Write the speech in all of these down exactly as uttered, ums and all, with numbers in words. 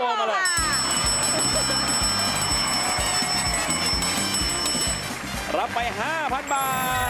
โอมาเลยรับไป ห้าพัน บาท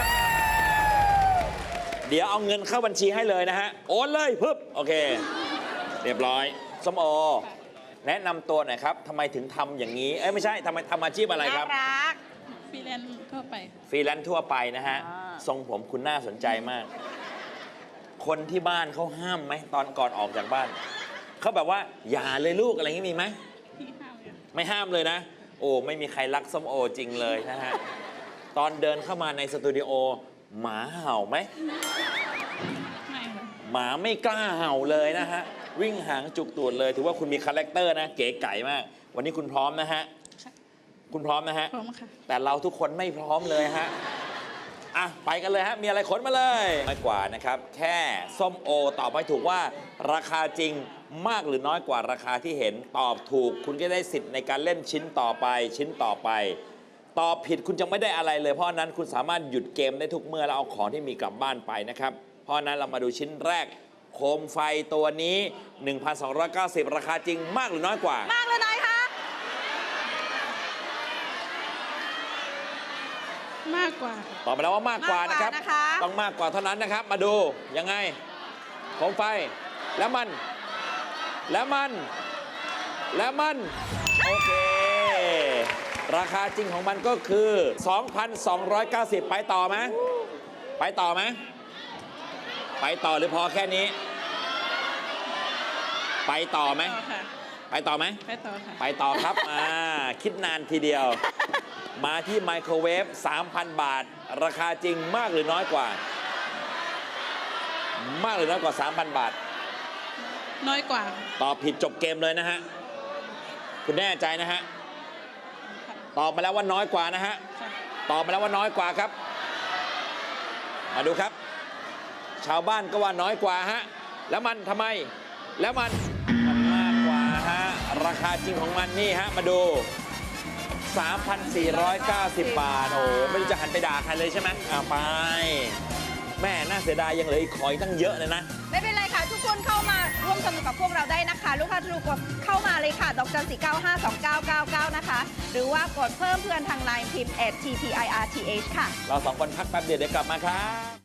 เดี๋ยวเอาเงินเข้าบัญชีให้เลยนะฮะโอนเลยปึ๊บโอเคเรียบร้อยส้มโอแนะนำตัวหน่อยครับทำไมถึงทำอย่างนี้เอ้ยไม่ใช่ทำไมทำอาชีพอะไรครับน่ารักฟรีแลนซ์ทั่วไปฟรีแลนซ์ทั่วไปนะฮะอ่าทรงผมคุณน่าสนใจมาก คนที่บ้านเขาห้ามไหมตอนก่อนออกจากบ้านเขาแบบว่าอย่าเลยลูกอะไรอย่างนี้มีไหมที่ห้าเลยไม่ห้ามเลยนะ โอ้ไม่มีใครรักส้มโอจริงเลยนะฮะตอนเดินเข้ามาในสตูดิโอหมาเห่าไหมไม่ค่ะหมาไม่กล้าเห่าเลยนะฮะวิ่งหางจุกตูดเลยถือว่าคุณมีคาแรคเตอร์นะเก๋ไก่มาก วันนี้คุณพร้อมนะฮะคุณพร้อมนะฮะพร้อมค่ะแต่เราทุกคนไม่พร้อมเลยฮะอ่ะไปกันเลยฮะมีอะไรขนมาเลยน้อยกว่านะครับแค่ส้มโอตอบไม่ถูกว่าราคาจริงมากหรือน้อยกว่าราคาที่เห็นตอบถูก คุณก็ได้สิทธิ์ในการเล่นชิ้นต่อไปชิ้นต่อไปตอบผิดคุณจะไม่ได้อะไรเลยเพราะนั้นคุณสามารถหยุดเกมได้ทุกเมื่อแล้วเอาของที่มีกลับบ้านไปนะครับเพราะนั้นเรามาดูชิ้นแรกโคมไฟตัวนี้ หนึ่งพันสองร้อยเก้าสิบ ราคาจริงมากหรือน้อยกว่ามากเลยน้อยคะมากกว่าตอบมาแล้วว่ามากกว่านะครับมากกว่านะคะต้องมากกว่าเท่านั้นนะครับ มาดูยังไงโคมไฟแล้วมัน แล้วมัน แล้วมัน โอเค ราคาจริงของมันก็คือ สองพันสองร้อยเก้าสิบ ไปต่อไหมไปต่อไหมไปต่อหรือพอแค่นี้ ไปต่อไหมต่อค่ะไปต่อไหมไปต่อค่ะไปต่อครับ อ่า คิดนานทีเดียว มาที่ไมโครเวฟ สามพัน บาท ราคาจริงมากหรือน้อยกว่า มากหรือน้อยกว่า สามพัน บาทน้อยกว่าตอบผิดจบเกมเลยนะฮะ คุณแน่ใจนะฮะ ตอบมาแล้วว่าน้อยกว่านะฮะค่ะตอบมาแล้วว่าน้อยกว่าครับ มาดูครับ ชาวบ้านก็ว่าน้อยกว่าฮะ แล้วมันทำไม แล้วมันมันมากกว่าฮะ ราคาจริงของมันนี่ฮะ มาดู สามพันสี่ร้อยเก้าสิบ บาท โอ้ไม่รู้จะหันไปด่าใครเลยใช่ไหมอ่าไป แม่น่าเสียดายยังเหลืออีกขออีกตั้งเยอะเลยนะไม่เป็นไรค่ะ ทุกคนเข้ามาร่วมสนุกกับพวกเราได้นะคะ ลูกค้าทุกคนเข้ามาเลยค่ะ ดอกจันสี่เก้าห้าสองเก้าเก้าเก้านะคะ หรือว่ากดเพิ่มเพื่อนทางไลน์พิมพ์ แอท ที พี ไอ อาร์ ที เอช ค่ะเราสองคนพักแป๊บเดียวเดี๋ยวกลับมาครับ